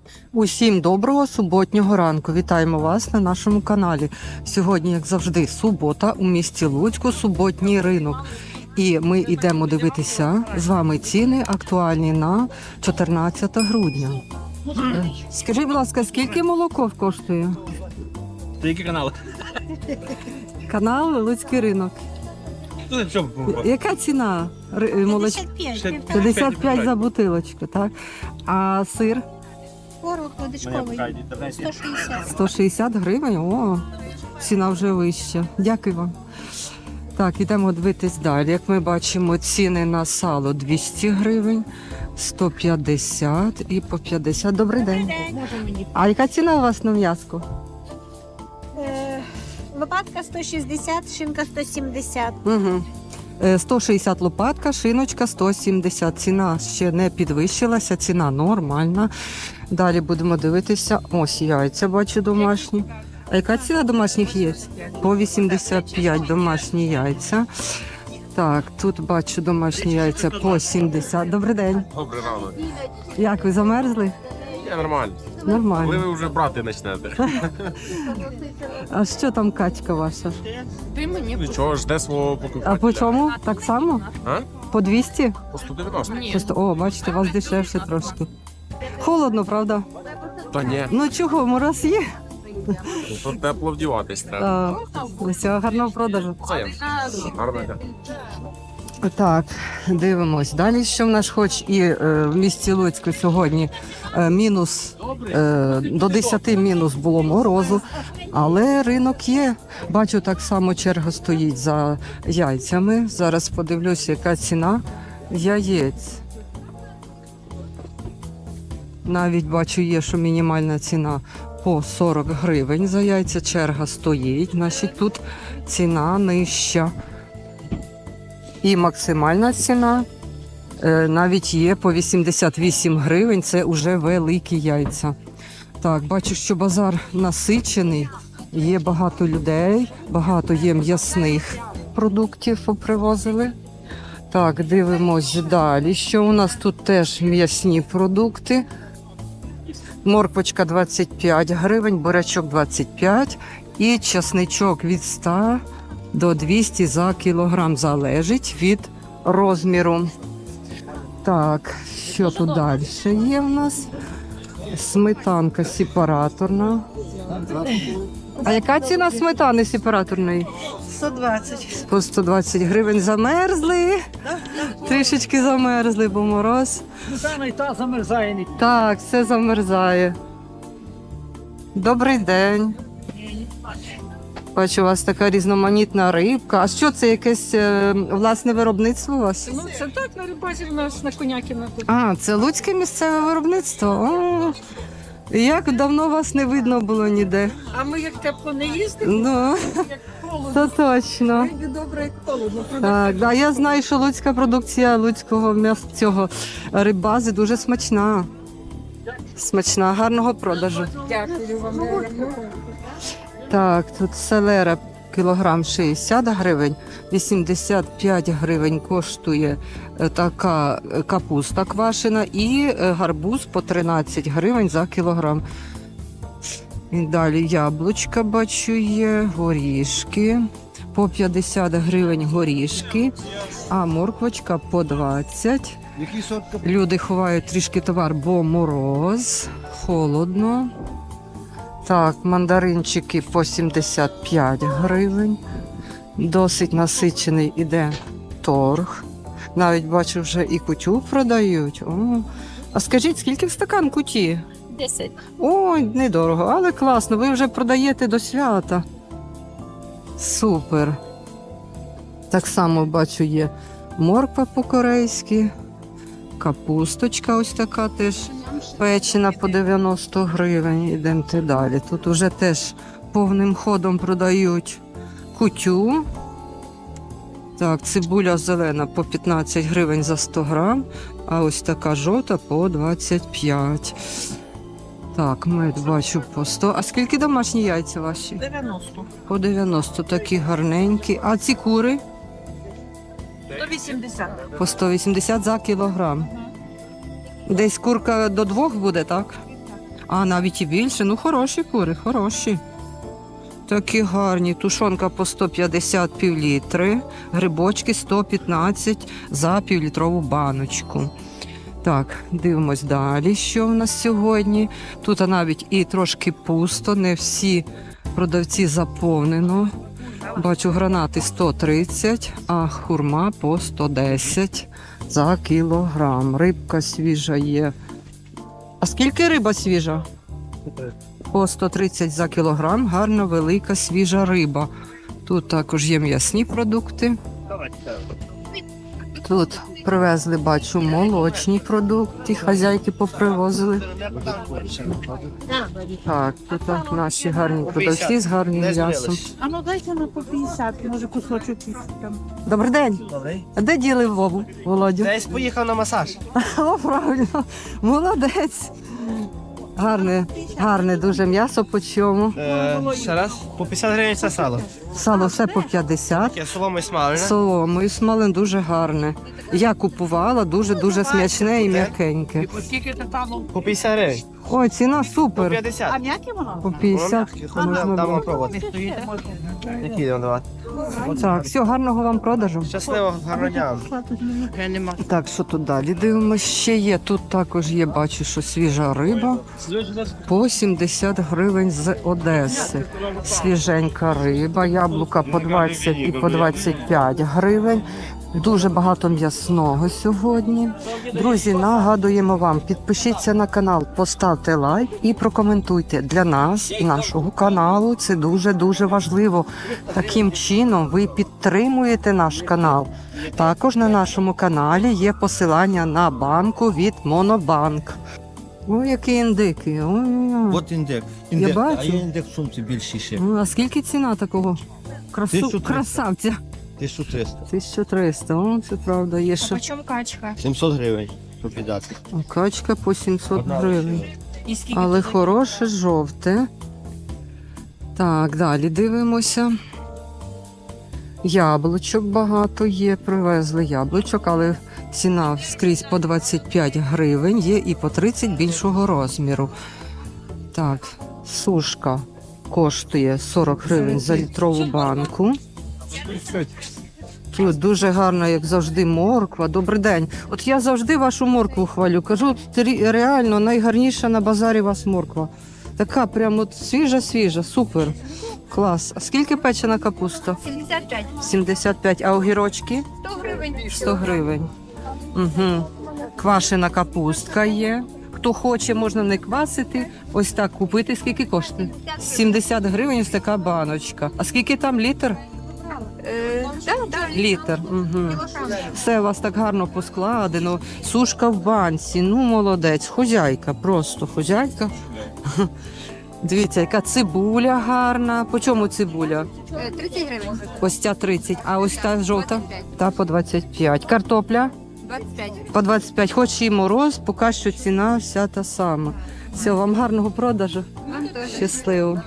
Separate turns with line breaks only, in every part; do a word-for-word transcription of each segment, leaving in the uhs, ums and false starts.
Усім доброго суботнього ранку. Вітаємо вас на нашому каналі. Сьогодні, як завжди, субота у місті Луцьку, суботній ринок. І ми йдемо дивитися з вами ціни актуальні на чотирнадцяте грудня. Е, Скажіть, будь ласка, скільки молоко коштує?
Це який канал?
Канал Луцький ринок.
Ну, що було?
Яка ціна ри- молоч... п'ятдесят п'ять за бутилочку, так? А сир?
Творог водичковий сто шістдесят.
сто шістдесят гривень? О, ціна вже вища. Дякую вам. Так, ідемо дивитись далі. Як ми бачимо, ціни на сало двісті гривень, сто п'ятдесят і по п'ятдесят. Добрий день. А яка ціна у вас на м'яско?
Е, Лопатка сто шістдесят, шинка сто сімдесят.
Угу. сто шістдесят лопатка, шиночка сто сімдесят. Ціна ще не підвищилася, ціна нормальна. Далі будемо дивитися. Ось яйця, бачу, домашні. А яка ціна домашніх яєць? По вісімдесят п'ять домашні яйця. Так, тут бачу домашні яйця по сімдесят. Добрий день.
Добрий ранок.
Як ви замерзли?
Я нормально. Коли
Нормально.
ви вже брати почнете?
А що там качка ваша?
Нічого, жде свого покупателя.
А по чому? Так само?
А?
По двісті?
По сто дев'яносто.
Просто, о, бачите, у вас дешевше трошки. Холодно, правда?
Та ні,
Ну чого, мороз є?
ну, то тепло вдіватись треба.
А, всього гарного продажу.
Це гарно йде.
Так, дивимось. Далі, що в нас хоч і е, в місті Луцьку сьогодні е, мінус, е, до десяти мінус було морозу, але ринок є. Бачу, так само черга стоїть за яйцями. Зараз подивлюся, яка ціна яєць. Навіть бачу, є, що мінімальна ціна по сорок гривень за яйця. Черга стоїть, значить тут ціна нижча. І максимальна ціна е, навіть є по вісімдесят вісім гривень, це вже великі яйця. Так, бачу, що базар насичений, є багато людей, багато є м'ясних продуктів попривозили. Так, дивимось далі, що у нас тут теж м'ясні продукти. Морквочка двадцять п'ять гривень, бурячок двадцять п'ять і часничок від ста до двісті за кілограм, залежить від розміру. Так, що тут далі є в нас? Сметанка сепараторна. А яка ціна сметани сепараторної?
сто двадцять.
По сто двадцять гривень. Замерзли. Трішечки замерзли, бо мороз.
Саме та замерзає.
Так, все замерзає. Добрий день. Бачу, у вас така різноманітна рибка. А що це, якесь е, власне виробництво у вас?
Ну, це так, на рибазі в нас на Конякіна тут.
А, це луцьке місцеве виробництво. О, як давно вас не видно було ніде.
А ми як тепло не їздимо,
Ну,
як холодно.
то точно.
Вийде добре, як холодно.
Так, да, я знаю, що луцька продукція луцького м'яса цього рибази дуже смачна. Смачна, гарного продажу.
Дякую вам.
Так, тут селера кілограм шістдесят гривень, вісімдесят п'ять гривень коштує е, така е, капуста квашена і е, гарбуз по тринадцять гривень за кілограм. І далі яблучка бачу є, горішки по п'ятдесят гривень горішки, а морквочка по двадцять. Люди ховають трішки товар, бо мороз, холодно. Так, мандаринчики по сімдесят п'ять гривень. Досить насичений іде торг. Навіть бачу, вже і кутю продають. О. А скажіть, скільки в стакан куті?
Десять.
Ой, недорого, але класно. Ви вже продаєте до свята. Супер. Так само бачу, є морква по-корейськи, капусточка ось така теж печена по дев'яносто гривень. Ідемте далі. Тут уже теж повним ходом продають кутю. Так, цибуля зелена по п'ятнадцять гривень за сто грам, а ось така жовта по двадцять п'ять. Так, мед бачу по сто. А скільки домашні яйця ваші?
дев'яносто.
По дев'яносто, такі гарненькі. А ці кури?
сто вісімдесят.
По сто вісімдесят за кілограм. Десь курка до двох буде, так? А навіть і більше. Ну, хороші кури, хороші. Такі гарні. Тушонка по сто п'ятдесят півлітри, грибочки сто п'ятнадцять за півлітрову баночку. Так, дивимось далі, що в нас сьогодні. Тут навіть і трошки пусто, не всі продавці заповнено. Бачу, гранати сто тридцять, а хурма по сто десять за кілограм. Рибка свіжа є. А скільки риба свіжа? По сто тридцять за кілограм. Гарна, велика, свіжа риба. Тут також є м'ясні продукти. Тут привезли, бачу, молочні продукти. Хазяйки попривозили. Так, тут наші гарні продавці з гарним м'ясом.
А ну дайте на по п'ятдесят, може кусочок там.
Добрий день. А де діли Вову, Володю?
Десь поїхав на масаж.
О, правильно. Молодець. Гарне, гарне дуже м'ясо по чому.
Е, ще раз. По п'ятдесят гривень це сало.
Сало все по п'ятдесят.
Таке соломо і смалене.
Соломою смалин дуже гарне. Я купувала, дуже-дуже смачне і м'якеньке.
По п'ятдесят гривень.
Ой, ціна
По
супер.
п'ятдесят.
м'яке воно?
По п'ятдесят можна
Дам вам
було.
пробувати. Які йдемо давати?
Так, все, гарного вам продажу.
Щасливо, гарного дня.
Так, що тут далі дивимося? Ще є, тут також є, бачу, що свіжа риба. По сімдесят гривень з Одеси. Свіженька риба, яблука по двадцять і по двадцять п'ять гривень. Дуже багато м'ясного сьогодні. Друзі, нагадуємо вам, підпишіться на канал, поставте лайк і прокоментуйте. Для нас і нашого каналу це дуже-дуже важливо. Таким чином ви підтримуєте наш канал. Також на нашому каналі є посилання на банку від Монобанк. Ой, які індики. Ой-ой-ой.
От індекс.
Я
Індекс.
бачу.
А є індекс в сумці більший ще.
Ну, а скільки ціна такого красу...
тисяча триста.
красавця?
тисяча триста.
тисяча триста, о, це правда, є ще.
Почем качка?
сімсот гривень. Щоб віддати.
Качка по сімсот
Одна
гривень.
лише.
І скільки?
Але
тут?
хороше, жовте. Так, далі дивимося. Яблучок багато є, привезли яблучок, але ціна скрізь по двадцять п'ять гривень, є і по тридцять більшого розміру. Так, сушка коштує сорок гривень за літрову банку. Тут дуже гарна, як завжди, морква. Добрий день. От я завжди вашу моркву хвалю. Кажу, трі- реально найгарніша на базарі у вас морква. Така прям от свіжа-свіжа, супер. Клас. А скільки печена капуста?
сімдесят п'ять.
сімдесят п'ять. А огірочки?
сто гривень.
сто гривень. Угу. Квашена капустка є. Хто хоче, можна не квасити. Ось так купити. Скільки коштує? сімдесят гривень ось така баночка. А скільки там літр?
Е, да, да.
Літр. Угу. Все у вас так гарно поскладено. Сушка в банці. Ну, молодець. Хозяйка, просто хозяйка. Дивіться, яка цибуля гарна. По чому цибуля?
Е, тридцять гривень.
Ось ця тридцять, а ось та жовта? Та по двадцять п'ять. Картопля?
двадцять п'ять.
По двадцять п'ять. Хоч і мороз, поки що ціна вся та сама. Все, вам гарного продажу.
Вам теж.
Щасливо.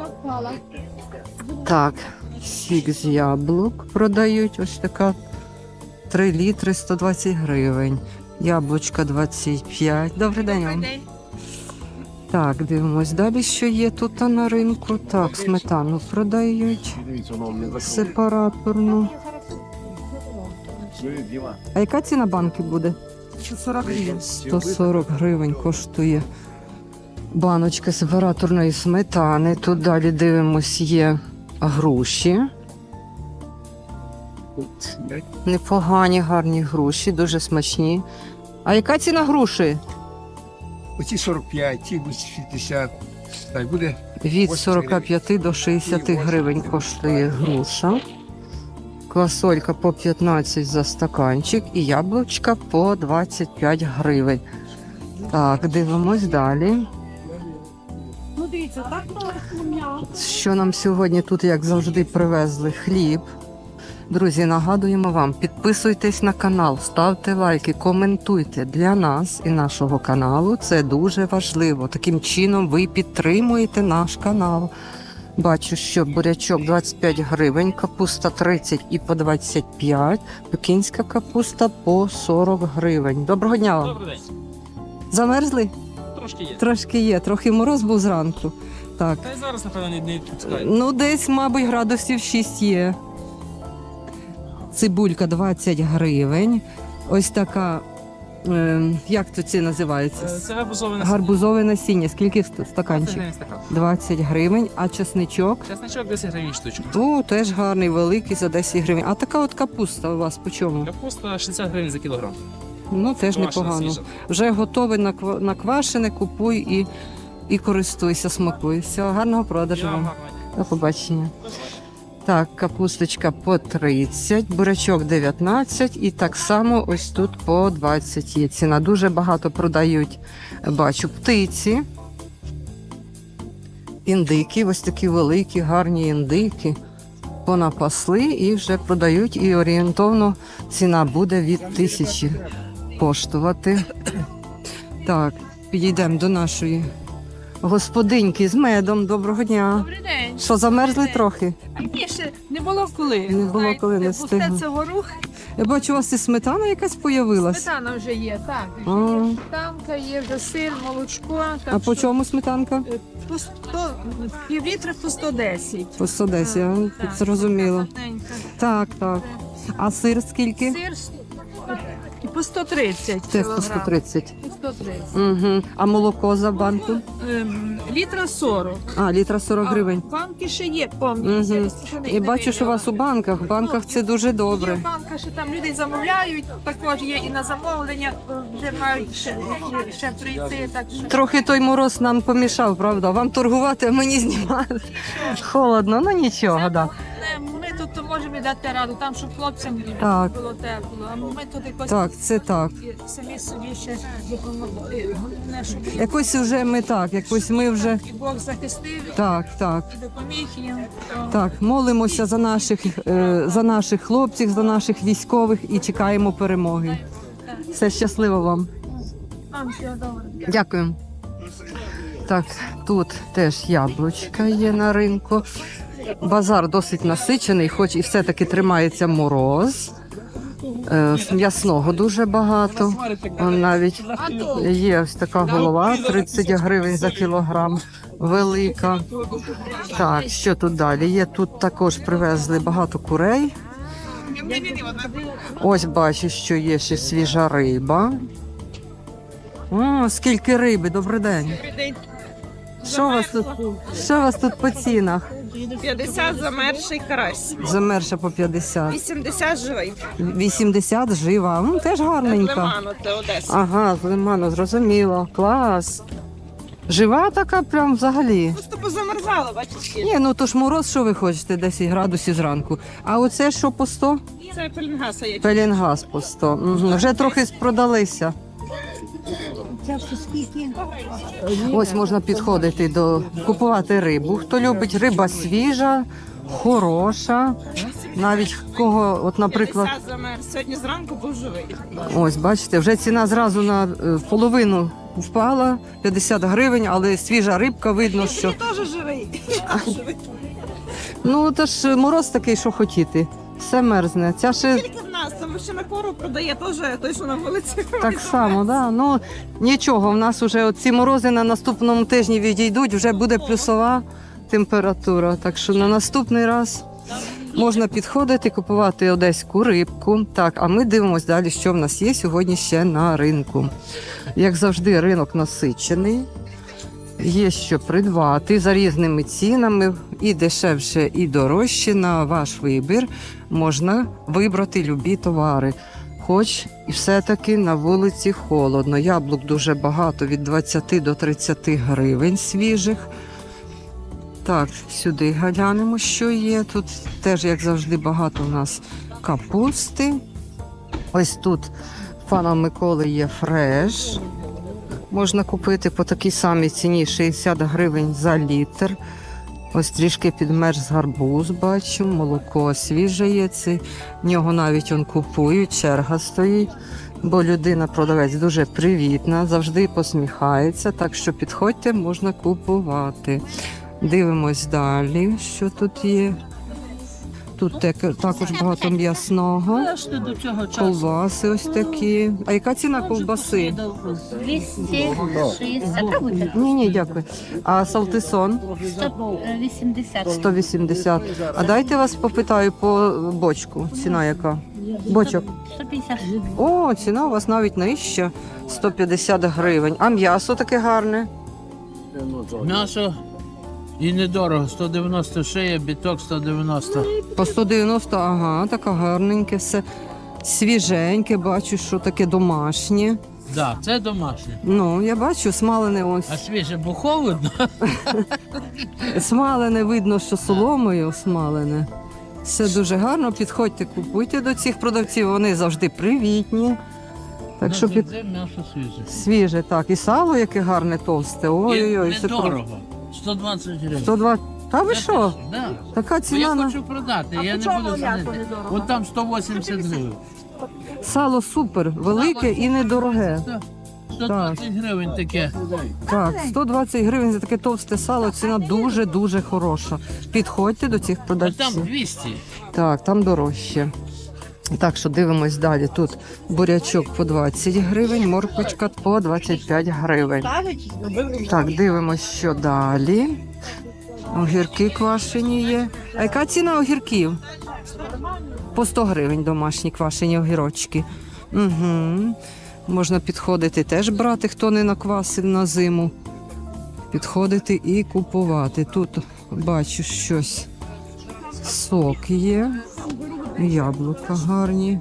Так, сік з яблук продають. Ось така три літри сто двадцять гривень. Яблучка двадцять п'ять. Добрий день вам. Так, дивимось далі, що є тут на ринку. Так, сметану продають. Сепараторну. А яка ціна банки буде?
сорок гривень.
сто сорок гривень коштує баночка сепараторної сметани. Тут далі дивимось, є груші. Непогані, гарні груші, дуже смачні. А яка ціна груші?
Оці сорок п'ять, ті шістдесят. Так буде.
Від сорок п'ять до шістдесят гривень коштує груша. Квасолька по п'ятнадцять за стаканчик і яблучка по двадцять п'ять гривень. Так, дивимось далі.
Ну дивіться, так мало.
Що нам сьогодні тут, як завжди, привезли хліб. Друзі, нагадуємо вам, підписуйтесь на канал, ставте лайки, коментуйте. Для нас і нашого каналу це дуже важливо. Таким чином ви підтримуєте наш канал. Бачу, що бурячок двадцять п'ять гривень, капуста тридцять і по двадцять п'ять, пекінська капуста по сорок гривень. Доброго дня вам.
Добрий день.
Замерзли?
Трошки є.
Трошки є, трохи мороз був зранку. Так.
Та й зараз, напевно, не, не пускають.
Ну, десь, мабуть, градусів шість є. Цибулька двадцять гривень. Ось така, е, як то це називається?
Це гарбузове насіння.
Гарбузове насіння. Скільки ст-
двадцять
стаканчик?
гривень стакан.
двадцять гривень. А чесничок?
Чесничок десять гривень штучка.
О, теж гарний, великий, за десять гривень. А така от капуста у вас по чому?
Капуста шістдесят гривень за кілограм.
Ну, теж
Квашена,
непогано.
свіжа.
Вже готове наква- наквашене, купуй і, і користуйся, смакуй. Всього гарного продажу
Я
вам.
гарно.
До побачення. Так, капусточка по тридцять, бурячок дев'ятнадцять і так само ось тут по двадцять є ціна. Дуже багато продають, бачу, птиці. Індики, ось такі великі, гарні індики. Понапасли і вже продають, і орієнтовно ціна буде від тисячі коштувати. Так, підійдемо до нашої господиньки з медом. Доброго дня.
Добрий день.
Що, замерзли трохи?
Ні, ще не було коли.
Не було коли, не
Пусте
встигли.
це горох,
Я бачу, у вас і сметана якась появилась.
сметана вже є, так.
А.
Сметанка є, вже сир, молочко. Так
А по
що,
чому сметанка?
е, По сто, пів літра по сто десять.
По сто десять, я
Так,
зрозуміло.
гарненька.
Так, так. А сир скільки?
Сир е, по сто тридцять
Теж по сто
кілограм.
тридцять.
По сто тридцять.
Угу. А молоко за банку?
Ем, Літра сорок.
А, літра сорок гривень.
А банки ще є, повні.
Угу. І бачу, що у вас у банках. В банках це дуже
Є
добре.
банка, що там люди замовляють, також є і на замовлення, е, вже мають ще, ще прийти. Так що
Трохи той мороз нам помішав, правда? Вам торгувати, а мені знімати. Холодно, ну нічого, да.
не, ми тут можемо дати раду, там, щоб хлопцям
Так.
було тепло, а ми тут якось
Так, це так.
і самі собі ще допомогли. Головне, щоб
Якось вже ми так, якось ми вже.
і Бог захистив,
Так, так.
і допоміг їм. То
Так, молимося за наших, е, за наших хлопців, за наших військових і чекаємо перемоги. Все щасливо вам.
Вам всього доброго.
Дякую. Так, тут теж яблучка є на ринку. Базар досить насичений, хоч і все-таки тримається мороз. Е, М'ясного дуже багато. Он навіть є ось така голова, тридцять гривень за кілограм, велика. Так, що тут далі? Є тут також привезли багато курей. Ось бачу, що є ще свіжа риба. О, скільки риби, добрий день. Що у вас тут? Що у вас тут по цінах?
п'ятдесят замерзший карась,
Замерша по п'ятдесят.
вісімдесят живий.
вісімдесят жива. Ну, теж гарненька.
Лиману, це Одеса.
Ага, з лиману, зрозуміло. Клас. Жива така прям взагалі.
Просто позамерзало, бачите.
Ні, ну то ж мороз, що ви хочете, десять градусів зранку. А оце що по сто?
Це пеленгаса є.
Пелінгаз по сто. Угу. Вже трохи продалися. Ось можна підходити до купувати рибу. Хто любить, риба свіжа, хороша. Навіть кого, от, наприклад,
п'ятдесят замерз. Сьогодні зранку був живий.
ось бачите, вже ціна зразу на е, половину впала, п'ятдесят гривень, але свіжа рибка, видно, що.
Теж живий. Живий.
Ну, то ж мороз такий, що хотіти. Все мерзне. Ця ще
Тільки в нас, тому що на кору продає теж той, що на вулиці.
так само, да? Ну нічого, в нас вже ці морози на наступному тижні відійдуть, вже буде плюсова температура. Так що на наступний раз можна підходити, купувати одеську рибку. Так, а ми дивимося далі, що в нас є сьогодні ще на ринку. Як завжди, ринок насичений. Є що придбати за різними цінами, і дешевше, і дорожче. На ваш вибір можна вибрати любі товари. Хоч і все-таки на вулиці холодно. Яблук дуже багато, від двадцяти до тридцяти гривень свіжих. Так, сюди глянемо, що є. Тут теж, як завжди, багато у нас капусти. Ось тут в пана Миколи є фреш. Можна купити по такій самій ціні шістдесят гривень за літр. Ось трішки підмерз гарбуз, бачу, молоко свіже є. Це, в нього навіть он купують, черга стоїть, бо людина-продавець дуже привітна, завжди посміхається, так що підходьте, можна купувати. Дивимось далі, що тут є. Тут таке- також багато м'ясного. Ковбаси ось такі. А яка ціна ковбаси?
двісті шістдесят.
Ні, ні, дякую. А салтисон?
сто вісімдесят.
сто вісімдесят. А дайте вас попитаю по бочку. Ціна яка? Бочок.
сто п'ятдесят.
О, ціна у вас навіть нижча. сто п'ятдесят гривень. А м'ясо таке гарне?
М'ясо і недорого. сто дев'яносто шия, біток сто дев'яносто.
По сто дев'яносто, ага, таке гарненьке все. Свіженьке, бачу, що таке домашнє.
Да, це домашнє.
Ну, я бачу, смалене ось.
А свіже, бо холодно.
Смалене видно, що соломою смалене. Все дуже гарно. Підходьте, купуйте до цих продавців, вони завжди привітні. Так що під...
Це м'ясо свіже.
свіже, так. І сало яке гарне, товсте. Ой-ой-ой.
І
це
недорого. сто двадцять гривень.
сто два. Та ви що?
Да.
Така
Бо
ціна
я
на
хочу продати, я не буду знати. От там сто вісімдесят гривень.
сало супер, велике і недороге.
сто двадцять гривень таке.
Так, сто двадцять гривень за таке товсте сало, ціна дуже-дуже хороша. Підходьте до цих
А там
продавців.
двісті.
Так, там дорожче. Так що дивимось далі. Тут бурячок по двадцять гривень, морквочка по двадцять п'ять гривень. Так, дивимось, що далі. Огірки квашені є. А яка ціна огірків? По сто гривень домашні квашені огірочки. Угу. Можна підходити теж брати, хто не наквасив на зиму. Підходити і купувати. Тут бачу щось. Сок є. Яблука гарні.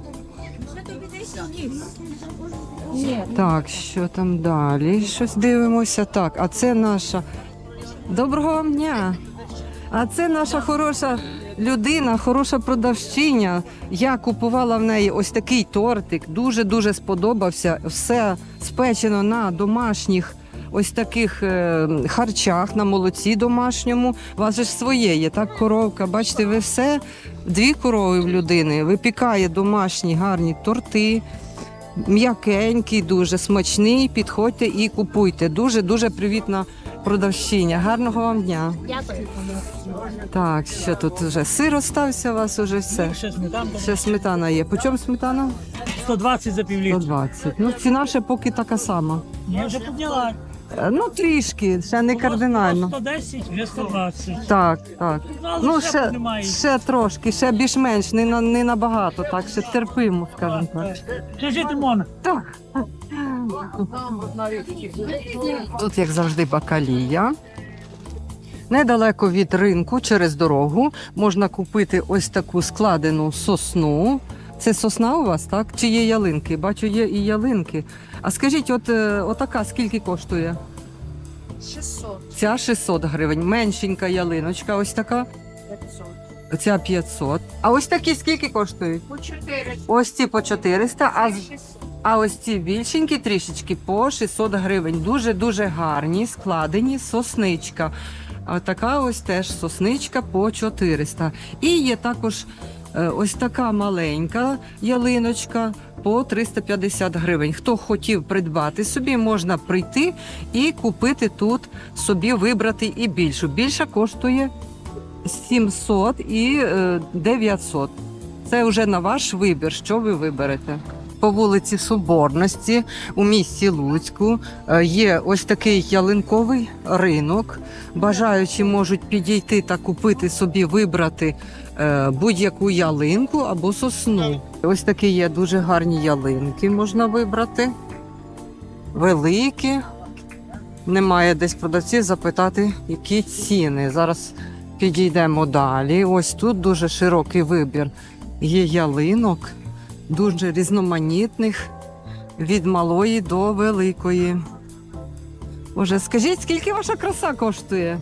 Так, що там далі? Щось дивимося. Так, а це наша. Доброго вам дня! А це наша хороша людина, хороша продавщиня. Я купувала в неї ось такий тортик. Дуже-дуже сподобався. Все спечено на домашніх ось таких е, харчах, на молоці домашньому. У вас же ж своє є, так, коровка. Бачите, ви все, дві корови в людини. Випікає домашні гарні торти. М'якенький, дуже смачний. Підходьте і купуйте. Дуже-дуже привітна продавщиня. Гарного вам дня.
Дякую.
Так, що тут вже сир остався у вас уже все.
Ще сметанка.
Ще сметана є. По чому сметана?
сто двадцять за півлітра.
сто двадцять. Ну, ціна ще поки така сама.
Я вже підняла.
Е, Ну, трішки, ще не кардинально.
сто десять, вже сто двадцять.
Так, так.
Але
Ну,
ще
ще,
піднімається.
ще трошки, ще більш-менш, не, на- не набагато, так, ще терпимо, скажімо так.
Ще жити можна.
Так. Тут, як завжди, бакалія. Недалеко від ринку, через дорогу, можна купити ось таку складену сосну. Це сосна у вас, так? Чи є ялинки? Бачу, є і ялинки. А скажіть, от е, отака скільки коштує?
шістсот.
Ця шістсот гривень. Меншенька ялиночка, ось така.
п'ятсот.
Ця п'ятсот. А ось такі скільки коштують?
По чотири.
Ось ці по чотириста, а, з- а ось ці більшенькі трішечки по шістсот гривень. Дуже-дуже гарні, складені, сосничка. А така ось теж сосничка по чотириста. І є також е, ось така маленька ялиночка по триста п'ятдесят гривень. Хто хотів придбати собі, можна прийти і купити тут собі, вибрати і більшу. Більша коштує сімсот і е, дев'ятсот. Це вже на ваш вибір, що ви виберете. По вулиці Соборності у місті Луцьку е, є ось такий ялинковий ринок. Бажаючі можуть підійти та купити собі, вибрати е, будь-яку ялинку або сосну. Ось такі є дуже гарні ялинки, можна вибрати. Великі. Немає десь продавців запитати, які ціни. Зараз підійдемо далі. Ось тут дуже широкий вибір. Є ялинок, дуже різноманітних, від малої до великої. Боже, скажіть, скільки ваша краса коштує?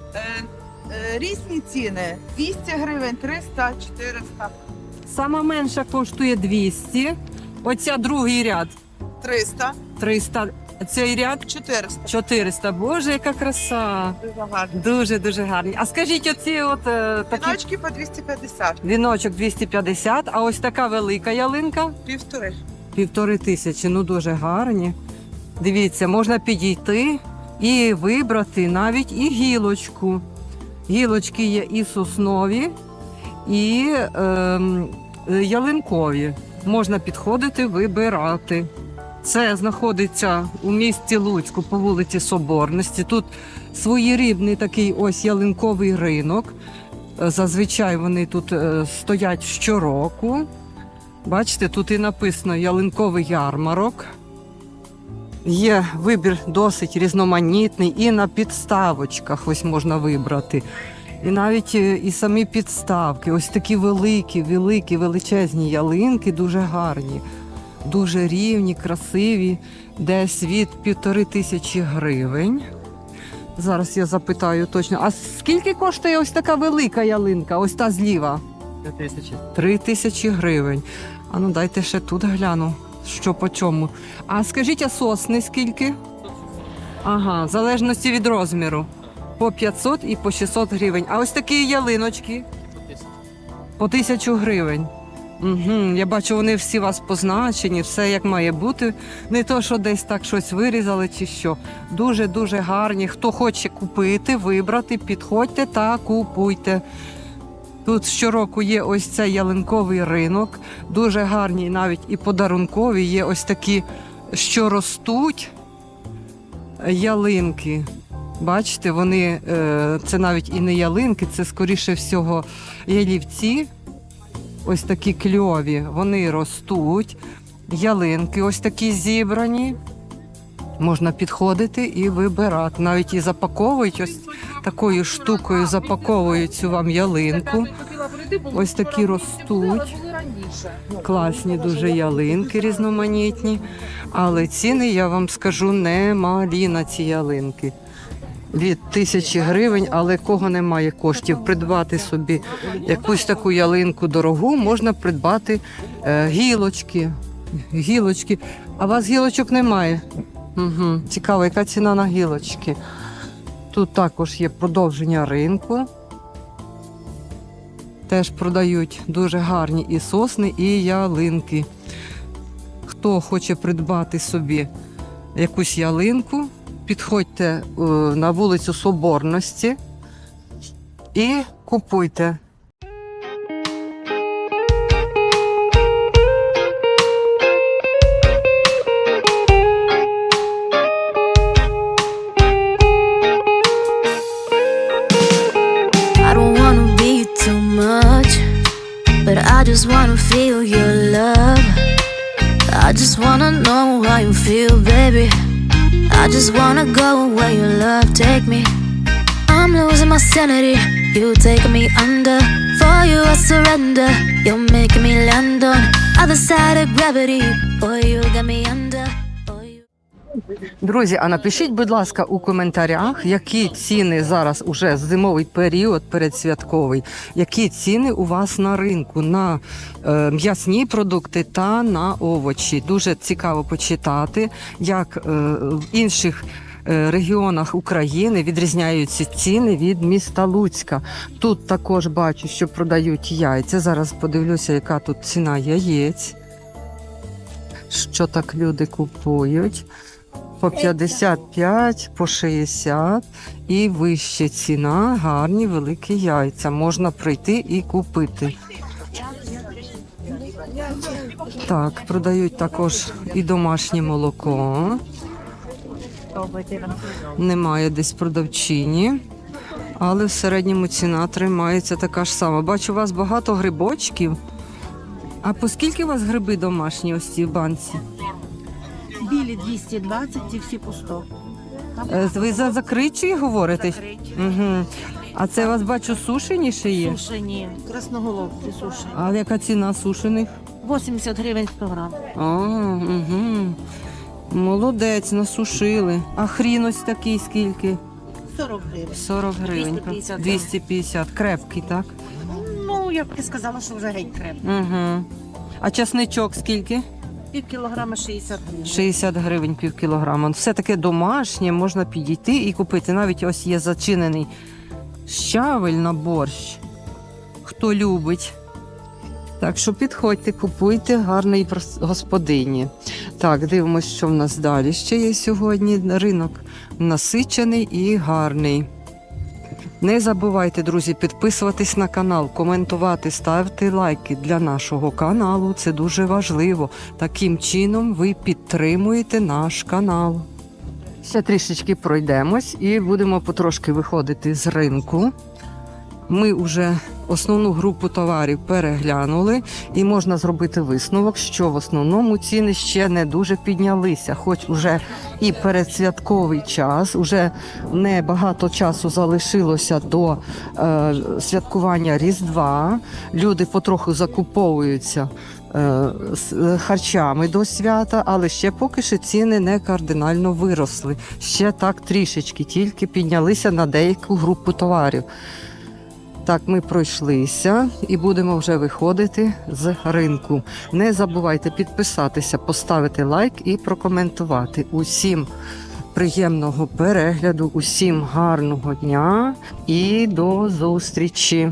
Різні ціни. двісті гривень, триста, чотириста,
Сама менша коштує двісті. Оця другий ряд
триста,
триста. Цей ряд
чотириста.
чотириста. Боже, яка краса!
Дуже гарно.
Дуже дуже гарні. А скажіть, оці от е, такі
Віночки по двісті п'ятдесят,
віночок двісті п'ятдесят, а ось така велика ялинка
півтори.
півтори тисячі. Ну дуже гарні. Дивіться, можна підійти і вибрати навіть і гілочку. Гілочки є і соснові, і ем, ялинкові. Можна підходити, вибирати. Це знаходиться у місті Луцьку по вулиці Соборності. Тут своєрідний такий ось ялинковий ринок. Зазвичай вони тут е, стоять щороку. Бачите, тут і написано ялинковий ярмарок. Є вибір досить різноманітний, і на підставочках ось можна вибрати. І навіть е, і самі підставки. Ось такі великі, великі, величезні ялинки, дуже гарні. Дуже рівні, красиві, десь від півтори тисячі гривень. Зараз я запитаю точно. А скільки коштує ось така велика ялинка, ось та зліва?
Три тисячі.
Три тисячі гривень. А ну дайте ще тут гляну, що по чому. А скажіть, а сосни скільки? Ага, в залежності від розміру. По п'ятсот і по шістсот гривень. А ось такі ялиночки? По тисячу гривень. Угу, я бачу, вони всі у вас позначені, все як має бути. Не то, що десь так щось вирізали чи що. Дуже-дуже гарні. Хто хоче купити, вибрати, підходьте та купуйте. Тут щороку є ось цей ялинковий ринок. Дуже гарні навіть і подарункові. Є ось такі, що ростуть ялинки. Бачите, вони, це навіть і не ялинки, це скоріше всього ялівці. Ось такі кльові, вони ростуть, ялинки ось такі зібрані. Можна підходити і вибирати. Навіть і запаковують, ось такою штукою запаковують цю вам ялинку. Ось такі ростуть. Класні дуже ялинки різноманітні. Але ціни, я вам скажу, немалі на ці ялинки. Від тисячі гривень, але кого немає коштів придбати собі якусь таку ялинку дорогу, можна придбати е, гілочки. Гілочки. А у вас гілочок немає? Угу. Цікаво, яка ціна на гілочки. Тут також є продовження ринку. Теж продають дуже гарні і сосни, і ялинки. Хто хоче придбати собі якусь ялинку, підходьте на вулицю Соборності і купуйте.
I don't wanna be too much, but I just wanna feel your love. I just wanna know how you feel, baby. I just wanna go where your love take me. I'm losing my sanity, you taking me under. For you I surrender, you're making me land on other side of gravity. Boy, you got me under.
Друзі, а напишіть, будь ласка, у коментарях, які ціни зараз уже зимовий період передсвятковий, які ціни у вас на ринку на е, м'ясні продукти та на овочі. Дуже цікаво почитати, як е, в інших е, регіонах України відрізняються ціни від міста Луцька. Тут також бачу, що продають яйця. Зараз подивлюся, яка тут ціна яєць. Що так люди купують. По п'ятдесят п'ять, по шістдесят і вища ціна, гарні великі яйця. Можна прийти і купити. Так, продають також і домашнє молоко. Немає десь продавчині, але в середньому ціна тримається така ж сама. Бачу, у вас багато грибочків. А по скільки у вас гриби домашні ось ці в банці?
Білі двісті двадцять і всі по сто.
Е, Ви за закриті говорите? Угу. А це у вас, бачу, сушені ще є?
Сушені, красноголовці сушені.
А яка ціна сушених?
вісімдесят гривень сто грам.
А, угу. Молодець, насушили. А хрін ось такий скільки?
сорок гривень.
сорок гривень.
двісті п'ятдесят.
двісті п'ятдесят. Крепкий, так?
Ну, я б не сказала, що вже геть крем.
Угу. А часничок скільки?
Пів кілограма шістдесят гривень.
шістдесят гривень пів кілограма. Все таке домашнє, можна підійти і купити. Навіть ось є зачинений щавель на борщ. Хто любить. Так що підходьте, купуйте, гарної господині. Так, дивимося, що в нас далі ще є сьогодні. Ринок насичений і гарний. Не забувайте, друзі, підписуватись на канал, коментувати, ставити лайки для нашого каналу. Це дуже важливо. Таким чином ви підтримуєте наш канал. Ще трішечки пройдемось і будемо потрошки виходити з ринку. Ми вже основну групу товарів переглянули і можна зробити висновок, що в основному ціни ще не дуже піднялися. Хоч уже і передсвятковий час, уже не багато часу залишилося до е, святкування Різдва. Люди потроху закуповуються е, з харчами до свята, але ще поки що ціни не кардинально виросли. Ще так трішечки, тільки піднялися на деяку групу товарів. Так, ми пройшлися і будемо вже виходити з ринку. Не забувайте підписатися, поставити лайк і прокоментувати. Усім приємного перегляду, усім гарного дня і до зустрічі!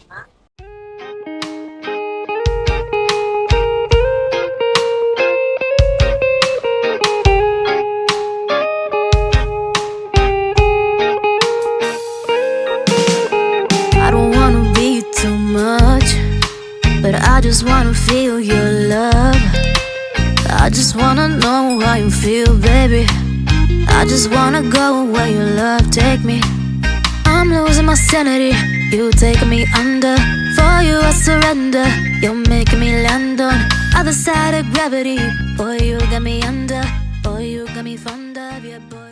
But I just wanna feel your love. I just wanna know how you feel, baby. I just wanna go where your love take me. I'm losing my sanity, you taking me under. For you I surrender, you're making me land on other side of gravity. Boy, you got me under, boy, you got me fond of, yeah, boy.